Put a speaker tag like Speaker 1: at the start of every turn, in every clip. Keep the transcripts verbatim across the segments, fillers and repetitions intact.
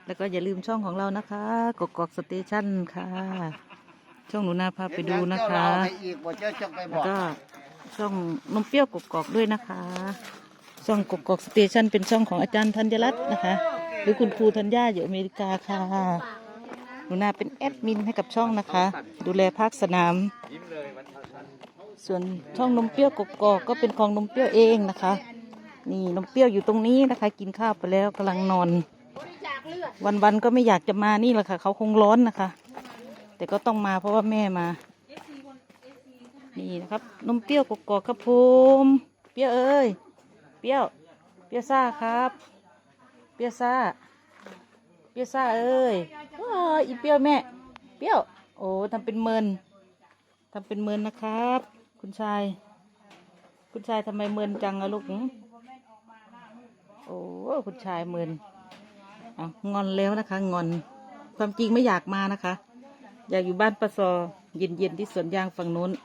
Speaker 1: แล้วก็อย่าลืมช่องของเรานะคะกกอกสเตชันค่ะ ช่องหนูนาพาไปดูนะคะ แล้วก็ช่องนมเปรี้ยวกกอกด้วยนะคะ ช่องกกอกสเตชันเป็นช่องของอาจารย์ธัญรัตน์นะคะ หรือคุณครูธัญญาอยู่อเมริกาค่ะหนูนาเป็นแอดมินให้กับช่องนะคะ ดูแลภาคสนาม
Speaker 2: ยิ้มเลยวันทัน
Speaker 1: ส่วนช่องนมเปรี้ยวกกอกก็เป็นของนมเปรี้ยวเองนะคะ นี่นมเปรี้ยวอยู่ตรงนี้นะคะ กินข้าวไปแล้วกำลังนอน วันๆก็ไม่อยากจะมานี่แหละค่ะ เขาคงร้อนนะคะ แต่ก็ต้องมาเพราะว่าแม่มา นี่นะครับนมเปรี้ยวกกอกครับผมเปรี้ยวเอ้ยเปรี้ยวเปรี้ยวซ่าครับ เปรี้ยวซ่าเปรี้ยวซ่าเอ้ยว้าอีเปรี้ยวแม่เปรี้ยวโอ้ทำเป็นเมินทำเป็นเมินนะครับ คุณชาย คุณชายทำไมเมินจังอะลูกหึโอ้คุณชายเมินอ่ะงอนแล้วนะคะ งอนความจริงไม่อยากมานะคะ อยากอยู่บ้านปะซอเย็นๆที่สวนยางฝั่งนู้น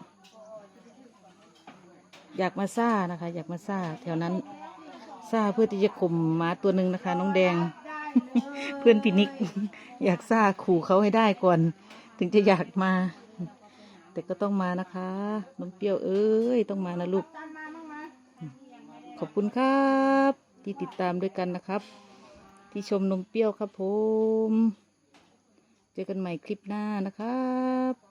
Speaker 1: อยากมาซ่านะคะ อยากมาซ่าแถวนั้นซ่าเพื่อที่จะข่มหมาตัวหนึ่งนะคะ น้องแดง เพื่อนพินิก อยากซ่าขู่เขาให้ได้ก่อน ถึงจะอยากมา แต่ก็ต้องมานะคะน้องเปรี้ยวเอ้ยต้องมานะลูก ขอบคุณครับ ที่ติดตามด้วยกันนะครับ ที่ชมนมเปรี้ยวครับผม เจอกันใหม่คลิปหน้านะครับ